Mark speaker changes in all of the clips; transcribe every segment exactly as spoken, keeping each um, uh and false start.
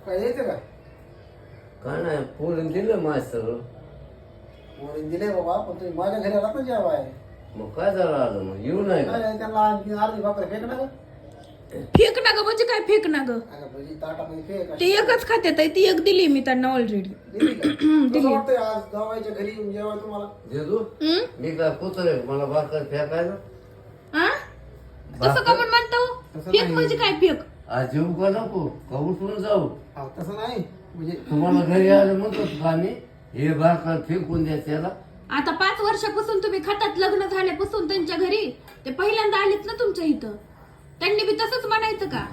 Speaker 1: काय यायचं का?
Speaker 2: काय नाही पोरीन दिलं मास्तर.
Speaker 1: पोरीन दिले बाबा, पण तुम्ही माझ्या घरी आलात ना जेवाय.
Speaker 2: मग काय झालं आलं मग येऊ नाही का?
Speaker 1: काय त्यांना आणखी अर्धी भाकर फेक ना गं?
Speaker 3: फेक ना ग म्हणजे काय फेक ना ग
Speaker 1: अगं भजी ताटामध्ये फेक
Speaker 3: ते एकच खात्यात आहे, ती एक दिली मी त्यांना ऑलरेडी.
Speaker 1: दिली का? कसं वाटतंय आज जावायच्या घरी येऊन जेवाय तुम्हाला?
Speaker 2: जेजू मी काय कुत्र आहे मला भाकर फेकायला?
Speaker 3: तसं का पण म्हणतो
Speaker 1: तसं
Speaker 3: फेक
Speaker 1: नाही.
Speaker 3: म्हणजे काय फेक?
Speaker 2: आज येऊ का नको का उठून जाऊ?
Speaker 1: हा, तसं नाही म्हणजे
Speaker 2: तुम्हाला घरी आलं म्हणतो का आम्ही हे भाकर फेकून द्या त्याला?
Speaker 3: आता पाच वर्षापासून तुम्ही खातात, लग्न झाल्यापासून त्यांच्या घरी ते पहिल्यांदा आलेत ना तुमच्या इथं, त्यांनी बी तसंच म्हणायचं का?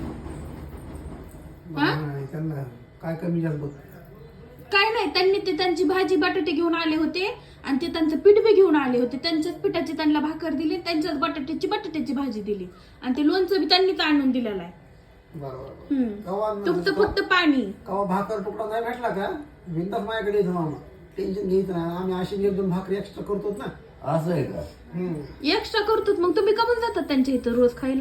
Speaker 1: नाही, त्यांना काय कमी जास्त बघ.
Speaker 3: काय नाही, त्यांनी ते त्यांची भाजी बटाटे घेऊन आले होते आणि ते त्यांचं पीठ बी घेऊन आले होते. त्यांच्याच पिठाची त्यांना भाकर दिली, त्यांच्याच बटाट्याची बटाट्याची भाजी दिली आणि ते लोणचं बी त्यांनीच आणून दिलेलं आहे.
Speaker 1: बरोबर.
Speaker 3: हम्म.
Speaker 1: कवा
Speaker 3: तुमचं फक्त पाणी.
Speaker 1: कवा भाकर तुकडा नाही भेटला का बिंदास माझ्याकडे येतो मामा, टेन्शन घ्यायचं नाही. आम्ही अशी एक दोन भाकरी एक्स्ट्रा करतो ना.
Speaker 2: असं आहे का?
Speaker 3: एक्स्ट्रा करतो मग तुम्ही कमून जातात त्यांच्या इथं रोज खायला?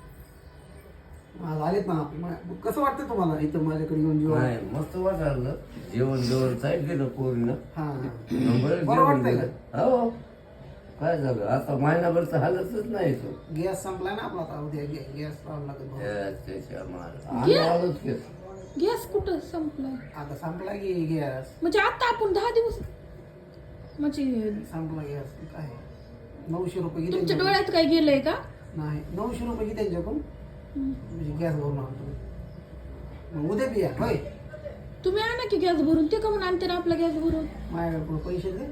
Speaker 1: आज आलेत ना आपले. मग कसं वाटतं तुम्हाला इथं माझ्याकडे येऊन जेवण?
Speaker 2: नाही मस्त वाटलं जेवण जेवण साईड गेलं पोरीनं.
Speaker 1: हा
Speaker 2: बरं
Speaker 1: बरं
Speaker 2: जेवण
Speaker 1: वाटतंय का?
Speaker 2: दिलं. हो काय झालं आता महिनाभर तर हालतच नाही तो.
Speaker 1: गॅस संपलाय ना आपला आता, उद्या गॅ- गॅस लावावा लागेल भाऊ.
Speaker 2: त्याच्या मार आम्ही आलोच की.
Speaker 3: गॅस कुठं संपलाय?
Speaker 1: आता संपला की गॅस,
Speaker 3: म्हणजे आता आपण दहा दिवस म्हणजे
Speaker 1: संपला गॅस. काय नऊशे रुपये घे
Speaker 3: तुमच्या
Speaker 1: त्यांच्याकडून.
Speaker 3: डोळ्यात काय गेलंय का?
Speaker 1: नाही नऊशे रुपये घे त्यांच्याकडून म्हणजे गॅस भरून आणतो. मग उद्या बिया होय
Speaker 3: तुम्ही आणा की गॅस भरून, ते कमून आणते ना आपला गॅस भरून.
Speaker 1: माझ्याकडे पैसे दे.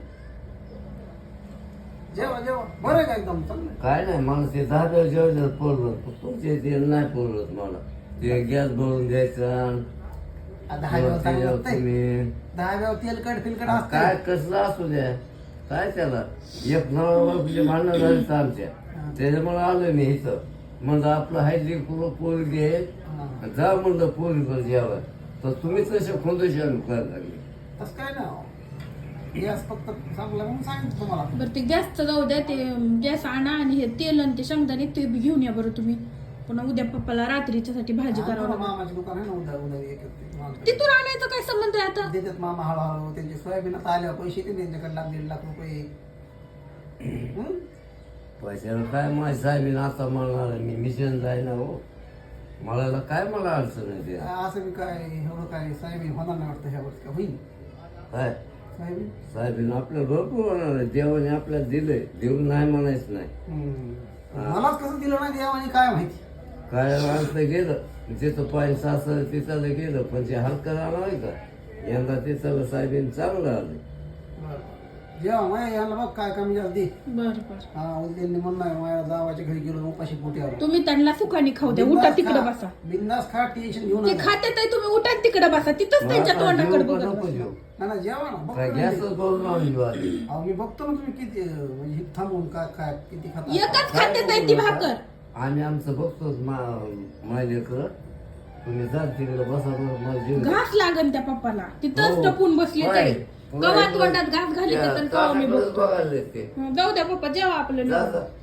Speaker 1: जेवा जेवा बरं आहे का एकदम चांगलं?
Speaker 2: काय नाही मला ते दहा जेवण पोरलं तुमचे ते नाही पोरलत मला ते गॅस भरून द्यायचं.
Speaker 1: आ, दहा वेळा चांगलं लागतंय.
Speaker 2: तुम्ही
Speaker 1: दहा वेळा तेलकट फिलकट
Speaker 2: काय
Speaker 1: असतं.
Speaker 2: कसलं असू द्या काय त्याला एक नवरा भांडणं झाली तर आमच्या त्याच्यामुळे आलोय मी इथं. म्हणलं आपलं हायली पोरगी आहे जा म्हणलं पोरीकडे जेवाय तर तुम्ही तसे खोंदशान करायला लागले.
Speaker 1: तसं काय ना गॅस फक्त चांगला म्हणून सांगितलं तुम्हाला.
Speaker 3: बरं ते गॅसचं जाऊ द्या, ते गॅस आणा आणि हे तेल आणि ते शेंगदाणे ते बी घेऊन या बरं तुम्ही. पुन्हा उद्या पप्पाला रात्रीच्या साठी भाजी
Speaker 1: हा,
Speaker 3: करावं लागेल.
Speaker 1: मामाचे दुकान आहे ना उद्या उद्या एक एक मागं.
Speaker 3: तिथून आणायचं काय संबंध आहे आता?
Speaker 1: देतात मामा हळूहळू. त्यांचे सोयाबीन आता आल्यावर पैसे येते त्यांच्याकडे लाख दीड लाख रुपये. हं?
Speaker 2: पैशाला काय माझी साहेबीन आता म्हणणार मी मिशन जाय ना हो मला काय मला अडचण आहे ते.
Speaker 1: असं बी काय एवढं काय सोयाबीन होणार नाही वाटतं ह्या वर्षी. का होईल
Speaker 2: काय
Speaker 1: सोयाबीन?
Speaker 2: साहेबीन आपल्याला भरपूर होणार आहे देवाने आपल्याला दिलंय देऊन नाही म्हणायचं नाही.
Speaker 1: हं. मलाच कसं दिलं नाही देवाने काय माहिती.
Speaker 2: काय आणलं गेलं तिथं पाणी सासर तिथं गेलं पण ते हलकं राहणार आहे का यंदा तिथं साहेबीन चांगलं आलं.
Speaker 1: जेव्हा माया याला बघ काय कमी जास्त दे.
Speaker 3: बरं बरं
Speaker 1: हा उद्या म्हणणार माझ्या जावाच्या घरी गेलो उपाशी पोटी आलो.
Speaker 3: तुम्ही त्यांना सुखाने खाऊ द्या, उठा तिकडे बसा.
Speaker 1: बिंदास खा टेन्शन घेऊन
Speaker 3: ते खात्यात आहे, तुम्ही उठा तिकडे बसा, तिथंच त्यांच्या तोंडाकडे बघत
Speaker 2: नको
Speaker 3: बसा.
Speaker 2: जेव
Speaker 1: ना ना जेवा ना बघतो
Speaker 2: काय
Speaker 1: ना
Speaker 2: गॅसच
Speaker 1: मी.
Speaker 2: करून लावून घेऊ आधी.
Speaker 1: अहो मी बघतो ना तुम्ही किती अं, म्हणजे हे थांबून काय काय किती खाता.
Speaker 3: एकच खात्यात आहे ती भाकर.
Speaker 2: आम्ही आमचं बघतोच माझ्याकडं तुम्ही जा तिकडे बसा बरं, मला जेवू द्या.
Speaker 3: घास लागन त्या पप्पाला, तिथंच
Speaker 2: हो.
Speaker 3: टपून बसले
Speaker 2: होय.
Speaker 3: ते. कवा तोंडात घास घाली
Speaker 2: त्या
Speaker 3: तर कवा मी
Speaker 2: काकाकडे
Speaker 3: बघतो.
Speaker 2: बघायला ते.
Speaker 3: हं, जाऊ द्या पप्पा जेवा आपलं
Speaker 2: जा,
Speaker 3: निवांत.
Speaker 2: जा.